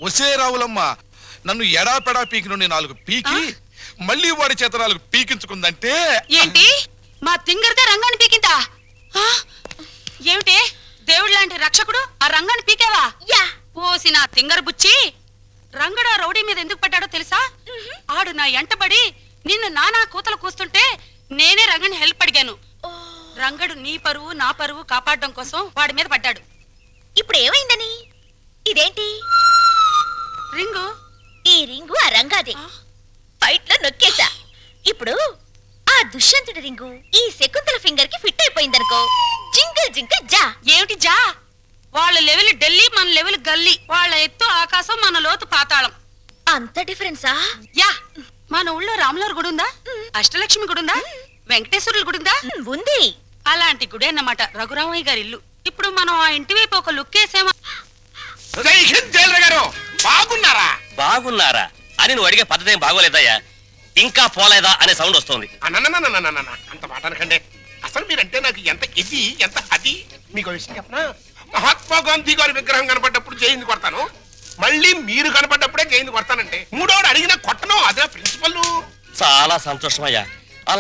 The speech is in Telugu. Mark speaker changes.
Speaker 1: ఒసే రావులమ్మ, నన్ను ఎడాపెడా పీకి నుండి 4 పీకి మళ్ళీ వాడి చేత 4 పీకించుకుందంటే
Speaker 2: ఏంటి? మా తింగరదే రంగాన్ని పీకిందా? ఏమిటి దేవుడు లాంటి రక్షకుడు ఆ రంగాన్ని పీకేవా? పోసి నా తింగర బుచ్చి, రంగడు ఆ రౌడీ మీద ఎందుకు పడ్డాడో తెలుసా? ఆడు నా ఎంటబడి నిన్ను నానా కూతలు కూస్తుంటే నేనే రంగని హెల్ప్ అడిగాను. రంగడు నీ పరువు నా పరువు కాపాడడం కోసం వాడి మీద పడ్డాడు.
Speaker 3: ఇప్పుడు ఏమైందని? ఇదేంటి
Speaker 2: రింగు?
Speaker 3: ఈ రింగు ఆ రంగాదే. ఫైట్ లో నొక్కేసా. ఇప్పుడు ఆ దుష్యంతుడి రింగు ఈ శకుంతల ఫింగర్ కి ఫిట్ అయిపోయిందనుకో, జింగిల్ జింగిల్ జా.
Speaker 2: ఏమిటి జా? వాళ్ళ లెవెల్ ఢిల్లీ, మన లెవెల్ గల్లీ. వాళ్ళ ఎత్తు ఆకాశం, మన లోతు పాతాళం.
Speaker 3: అంత డిఫరెన్సా?
Speaker 2: యా. మన ఊళ్ళో రాములవారి గుడి ఉందా? అష్టలక్ష్మి గుడి ఉందా? వెంకటేశ్వరుల గుడి ఉందా?
Speaker 3: ఉంది.
Speaker 2: అలాంటి గుడి అన్నమాట రఘురామయ్య గారి ఇల్లు. ఇప్పుడు మనం ఆ ఇంటి వైపు ఒక లుక్ వేసామా?
Speaker 4: బాగున్నారా?
Speaker 5: బాగున్నారా అని నువ్వు అడిగే పద్ధతి ఏం బాగోలేదయ్యా. ఇంకా పోలేదా అనే సౌండ్ వస్తుంది.
Speaker 4: అంత మాట అనకండి. అసలు మీరంటే నాకు ఎంత ఇది ఎంత అది. మీకు విషయం చెప్పనా? మహాత్మా గాంధీ గారి విగ్రహం కనపడ్డప్పుడు జైలు కొడతాను, మళ్ళీ మీరు కనపడ్డప్పుడే జైలు కొడతానంటే మూడోడు అడిగిన కొట్టను. అదే ప్రిన్సిపల్.
Speaker 5: చాలా సంతోషం అయ్యా.